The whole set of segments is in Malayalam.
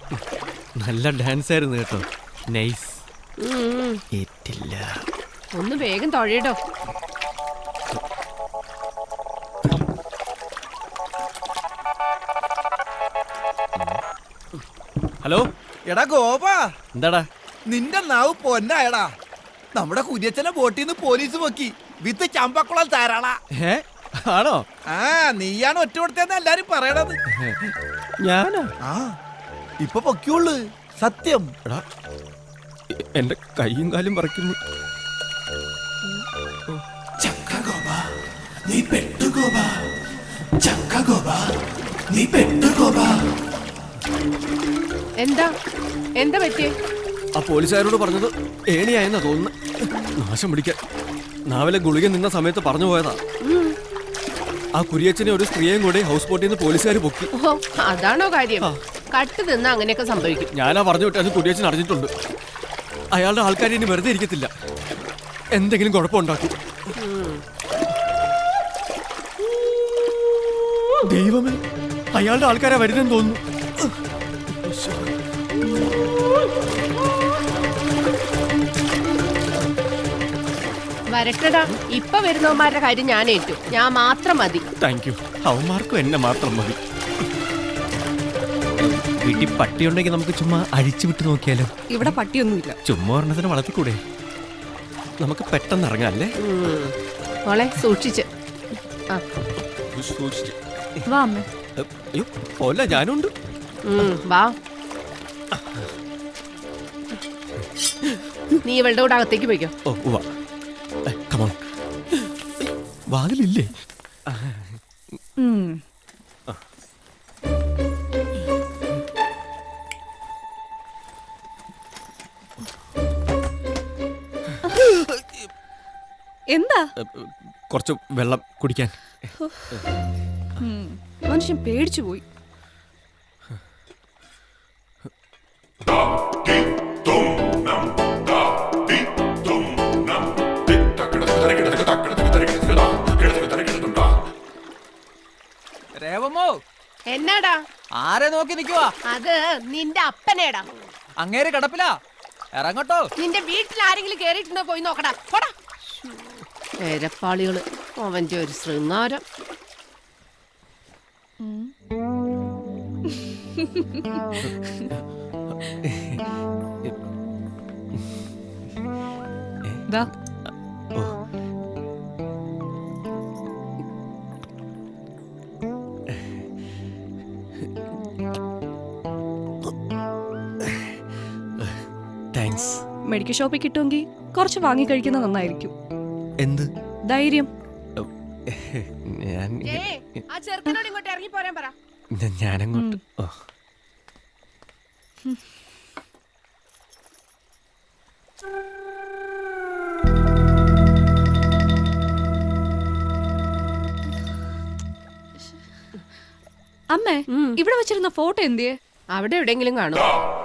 നല്ല ഡാൻസ് ആയിരുന്നു കേട്ടോ. നൈസ്. ഏറ്റില്ല. ഒന്ന് വേഗം തൊഴയിടോ. ഹലോ എടാ ഗോപാ, എന്താടാ? നിന്റെ നാവ് പൊന്നായടാ. നമ്മുടെ കുര്യച്ചനെ ബോട്ടിൽ നിന്ന് പോലീസ് പൊക്കി വിത്ത് ചമ്പക്കുളം താരാളാ. ആണോ? ആ, നീയാണ് ഒറ്റ കൊടുത്തതെന്ന് എല്ലാരും പറയണത്. ഞാനാ? ആ, ഇപ്പൊ പൊക്കിയുള്ളു, സത്യം. എടാ, എന്റെ കൈയും കാലും പറിക്കുന്നു. എന്താ എന്താ പറ്റിയേ? ആ പോലീസുകാരോട് പറഞ്ഞത് ഏണിയായെന്നാ തോന്നുന്നു. നാശം പിടിക്കാൻ നാവിലെ ഗുളിക നിന്ന സമയത്ത് പറഞ്ഞു പോയതാ. ആ കുരിയച്ചനെ ഒരു സ്ത്രീയെയും കൂടി ഹൗസ് ബോട്ടിൽ നിന്ന് പോലീസുകാർ പൊക്കി. ഓ, അതാണോ കാര്യം? കട്ട് നിന്നാ അങ്ങനെയൊക്കെ സംഭവിക്കും. ഞാനാ പറഞ്ഞു വിട്ടത്. കുരിയച്ചൻ അറിഞ്ഞിട്ടുണ്ട്. അയാളുടെ ആൾക്കാർ ഇനി വെറുതെ ഇരിക്കത്തില്ല, എന്തെങ്കിലും കുഴപ്പമുണ്ടാക്കും. ദൈവമേ, അയാളുടെ ആൾക്കാരാ വരുന്നെന്ന് തോന്നുന്നു. വരട്ടടാ, ഇപ്പൊ വരുന്നവന്മാരുടെ കാര്യം ഞാൻ ഏറ്റു. ഞാൻ മാത്രം മതി. Thank you. അവന്മാർക്കും എന്നെ മാത്രം മതി. വീട്ടിൽ പട്ടിയുണ്ടെങ്കിൽ നമുക്ക് ചുമ്മാ അഴിച്ചു വിട്ട് നോക്കിയാലോ? ഇവിടെ പട്ടിയൊന്നുമില്ല. ചുമ്മാ ഒരെണ്ണത്തിന് വളർത്തിക്കൂടെ? നമുക്ക് പെട്ടെന്ന് ഇറങ്ങാല്ലേ? മോളെ സൂക്ഷിച്ച്. വാ അമ്മേ. അയ്യോ പോല, ഞാനുണ്ട്. വാ. നീ ഇവളുടെ കൂടെ അകത്തേക്ക് പോയിക്കോ. ഓ വാ. കമോൺ. വാതിലില്ലേ? എന്താ? കുറച്ച് വെള്ളം കുടിക്കാൻ. മനുഷ്യൻ പേടിച്ചു പോയി. രേവമോ, എന്നാടാ? ആരെ നോക്കി നിക്കുവാ? അത് നിന്റെ അപ്പനേടാ. അങ്ങേര് കിടപ്പിലാ, ഇറങ്ങട്ടോ. നിന്റെ വീട്ടിൽ ആരെങ്കിലും കേറിയിട്ടുണ്ടോ? പോയി നോക്കടാ. പോടാ. പേരപ്പാളികള്, അവന്റെ ഒരു ശൃംഗാരം. ദാ. താങ്ക്സ്. മെഡിക്കൽ ഷോപ്പിൽ കിട്ടുമെങ്കിൽ കുറച്ച് വാങ്ങി കഴിക്കുന്നത് നന്നായിരിക്കും. എന്ത് ധൈര്യം? ആ ചെറുക്കനോട് ഇങ്ങോട്ട് ഇറങ്ങി പോരാൻ പറ. ഞാനങ്ങോട്ട്. അമ്മേ, ഇവിടെ വെച്ചിരുന്ന ഫോട്ടോ എന്തിയെ? അവിടെ എവിടെയെങ്കിലും കാണും.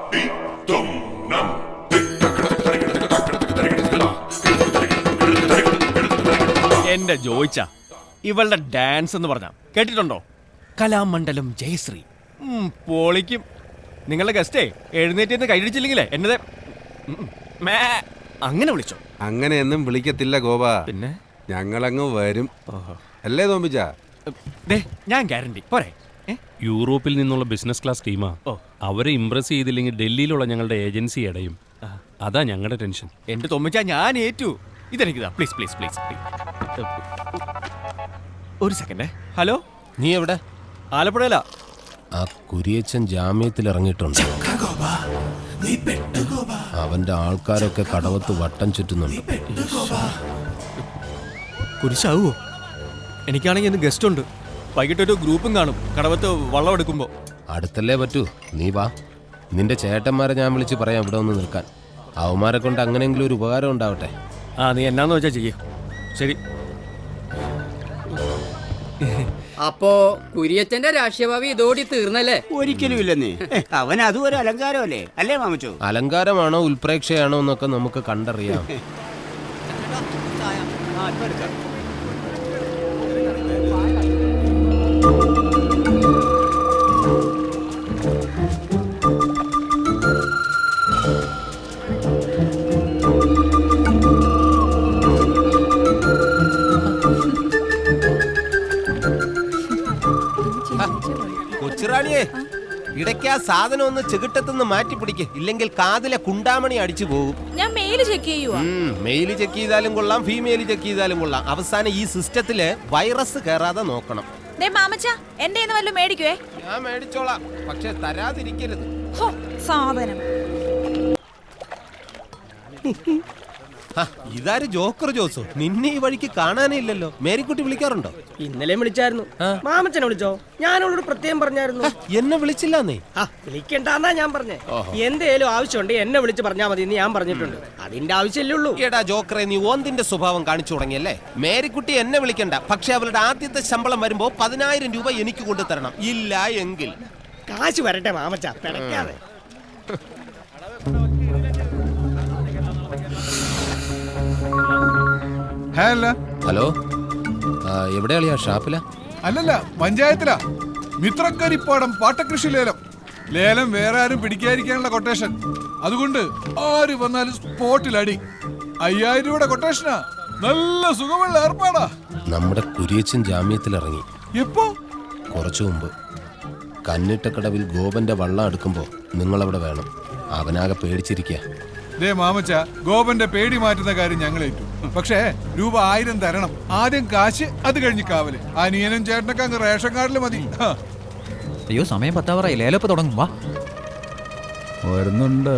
എന്റെ ജോയിച്ച, ഇവളുടെ ഡാൻസ് എന്ന് പറഞ്ഞ കേട്ടിട്ടുണ്ടോ? കലാമണ്ഡലം ജയശ്രീ. പൊളിക്കും. നിങ്ങളുടെ ഗസ്റ്റേ എഴുന്നേറ്റ് കൈയടിച്ചില്ലെങ്കിലേ എന്നതെ അങ്ങനെ വിളിച്ചോ? അങ്ങനെയൊന്നും വിളിക്കത്തില്ല ഗോപ. പിന്നെ ഞങ്ങളങ്ങ് വരും. അല്ലേ തോമ്പിച്ച? ഞാൻ ഗ്യാരണ്ടി പോരെ. യൂറോപ്പിൽ നിന്നുള്ള ബിസിനസ് ക്ലാസ് ടീമാ. അവരെ ഇംപ്രസ് ചെയ്തില്ലെങ്കിൽ ഡൽഹിയിലുള്ള ഞങ്ങളുടെ ഏജൻസി അടയും. അതാ ഞങ്ങളുടെ ടെൻഷൻ. എന്റെ തോമ്പിച്ച, ഞാൻ ഏറ്റു. ഇതെനിക്കിതാ, പ്ലീസ് പ്ലീസ് പ്ലീസ്. ഒരു സെക്കൻഡ്. ഹലോ, നീ എവിടെ? ആലപ്പുഴയിലാ. ആ കുരിയച്ചൻ ജാമ്യത്തിൽ ഇറങ്ങിയിട്ടുണ്ട്. അവന്റെ ആൾക്കാരൊക്കെ കടവത്ത് വട്ടം ചുറ്റുന്നുണ്ട്. കുരിശാവോ? എനിക്കാണെങ്കിൽ ഇന്ന് ഗസ്റ്റ് ഉണ്ട്. വൈകിട്ടൊരു ഗ്രൂപ്പും കാണും കടവത്ത് വള്ളം എടുക്കുമ്പോ. അടുത്തല്ലേ പറ്റൂ, നീ വാ. നിന്റെ ചേട്ടന്മാരെ ഞാൻ വിളിച്ച് പറയാം ഇവിടെ ഒന്ന് നിൽക്കാൻ. അവന്മാരെ കൊണ്ട് അങ്ങനെയെങ്കിലും ഒരു ഉപകാരം ഉണ്ടാവട്ടെ. നീ എന്നാന്ന് വെച്ചാ ചെയ്യ. ശരി. അപ്പോ കുര്യച്ചന്റെ രാഷ്ട്രീയഭാവി ഇതോടി തീർന്നല്ലേ? ഒരിക്കലും ഇല്ലെന്നേ. അവൻ അതും ഒരു അലങ്കാരമല്ലേ, അല്ലേ മാമച്ചോ? അലങ്കാരമാണോ ഉൽപ്രേക്ഷയാണോ എന്നൊക്കെ നമുക്ക് കണ്ടറിയാം. കൊച്ചുറാണിയെ ഇടയ്ക്ക് ആ സാധനം ഒന്ന് ചെകിട്ടത്തുനിന്ന് മാറ്റി പിടിക്ക്, ഇല്ലെങ്കിൽ കാതിലെ കുണ്ടാമണി അടിച്ചു പോകും. ഞാൻ മെയില് ചെക്ക് ചെയ്യുവാ. മെയില് ചെക്ക് ചെയ്താലും കൊള്ളാം, ഫീമെയിൽ ചെക്ക് ചെയ്താലും കൊള്ളാം. അവസാനം ഈ സിസ്റ്റത്തില് വൈറസ് കയറാതെ നോക്കണം. മാമച്ച എന്റെ വല്ലതും മേടിക്കുവേ. ഞാൻ മേടിച്ചോളാം, പക്ഷെ തരാതിരിക്കരുത്. സാധനം ഇതാര് ജോക്കർ ജോസോ? നിന്നെ ഈ വഴിക്ക് കാണാനേ ഇല്ലല്ലോ. മേരിക്കുട്ടി വിളിക്കാറുണ്ടോ? ഇന്നലെ വിളിച്ചായിരുന്നു. മാമച്ചനെ വിളിച്ചോ? ഞാൻ അവളോട് പ്രത്യേകം പറഞ്ഞായിരുന്നു. എന്നെ വിളിച്ചില്ലെന്നേ. വിളിക്കണ്ടെന്നാ ഞാൻ പറഞ്ഞേ. എന്തേലും ആവശ്യമുണ്ട് എന്നെ വിളിച്ച് പറഞ്ഞാൽ മതി എന്ന് ഞാൻ പറഞ്ഞിട്ടുണ്ട്. അതിന്റെ ആവശ്യമല്ലേ ഉള്ളൂ. എടാ ജോക്കറെ, നീ ഓന്തിന്റെ സ്വഭാവം കാണിച്ചു തുടങ്ങിയല്ലേ. മേരിക്കുട്ടി എന്നെ വിളിക്കണ്ട, പക്ഷെ അവളുടെ ആദ്യത്തെ ശമ്പളം വരുമ്പോ 10,000 രൂപ എനിക്ക് കൊണ്ടുതരണം. ഇല്ല എങ്കിൽ കാശ് വരട്ടെ മാമച്ച, പിടയ്ക്കാതെ. ഹലോ, എവിടെയാളിയാ? ഷാപ്പില? അല്ലല്ല, പഞ്ചായത്തിലാ. മിത്രക്കരിപ്പാടം പാട്ടകൃഷി ലേലം. ലേലം വേറെ ആരും പിടിക്കാതിരിക്കാനുള്ള കൊട്ടേഷൻ. അതുകൊണ്ട് ആര് വന്നാലും സ്പോട്ടിൽ അടി. 5,000 രൂപയുടെ കൊട്ടേഷനാ. നല്ല സുഖമുള്ള ഏർപ്പാടാ. നമ്മുടെ കുരിയച്ചൻ ജാമ്യത്തിലിറങ്ങി. എപ്പോ? കുറച്ചു മുമ്പ്. കന്നിട്ടക്കടവിൽ ഗോപന്റെ വള്ളം എടുക്കുമ്പോ നിങ്ങളവിടെ വേണം. അവനാകെ പേടിച്ചിരിക്കുക. ദേ മാമച്ച, ഗോപന്റെ പേടി മാറ്റുന്ന കാര്യം ഞങ്ങൾ ഏറ്റു. പക്ഷേ രൂപ 1000 തരണം. ആദ്യം കാശ്, അത് കഴിഞ്ഞ് കാവല്. അനിയനും ചേട്ടനൊക്കെ അങ്ങ് റേഷൻ കാർഡിൽ മതി. അയ്യോ, സമയം 10 ലേലപ്പ് തുടങ്ങും. വാ, വരുന്നുണ്ട്.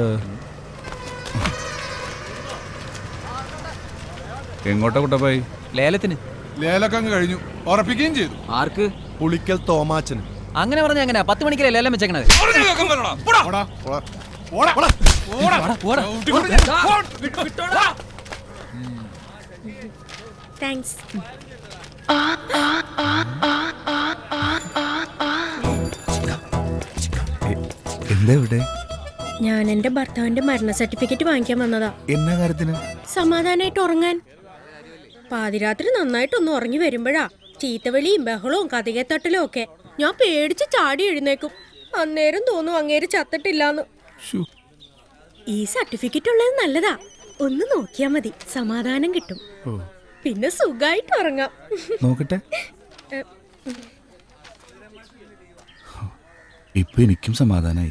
എങ്ങോട്ടാ കുട്ടപ്പായി? ലേലത്തിന്. ലേലൊക്കെ അങ്ങ് കഴിഞ്ഞു, ഉറപ്പിക്കുകയും ചെയ്തു. ആർക്ക്? പുളിക്കൽ തോമാച്ചന്. അങ്ങനെ പറഞ്ഞ എങ്ങനെ 10 മണിക്കല്ലേ ലേലം വെച്ചേക്കണത്? താങ്ക്സ്. എന്താ ഇവിടെ? ഞാൻ എന്റെ ഭർത്താവിന്റെ മരണ സർട്ടിഫിക്കറ്റ് വാങ്ങിക്കാൻ വന്നതാ. എന്നാ കാര്യത്തിന്? സമാധാനായിട്ട് ഉറങ്ങാൻ. പാതിരാത്രി നന്നായിട്ടൊന്ന് ഉറങ്ങി വരുമ്പോഴാ ചീത്തവിളിയും ബഹളവും കതികത്തട്ടലും ഒക്കെ. ഞാൻ പേടിച്ച് ചാടി എഴുന്നേക്കും. അന്നേരം തോന്നും അങ്ങേര് ചത്തിട്ടില്ലാന്ന്. ഈ സർട്ടിഫിക്കറ്റ് ഉള്ളത് നല്ലതാ. ഒന്ന് നോക്കിയാ മതി, സമാധാനം കിട്ടും. പിന്നെ സുഖായിട്ട് ഉറങ്ങാം. നോക്കട്ടെ. ഇപ്പൊ എനിക്കും സമാധാനായി.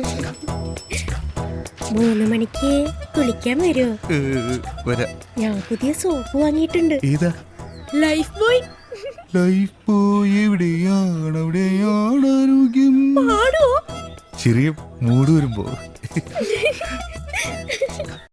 3 മണിക്ക് കുളിക്കാൻ വരുമോ? ഞാൻ പുതിയ സോപ്പ് വാങ്ങിയിട്ടുണ്ട്. ഏതാ? Life boy. ലൈഫ് ബോയ് എവിടെയാണ്? അവിടെയാണ് ആരോഗ്യം. പാടുവോ? ചെറിയ മൂട് വരുമ്പോ.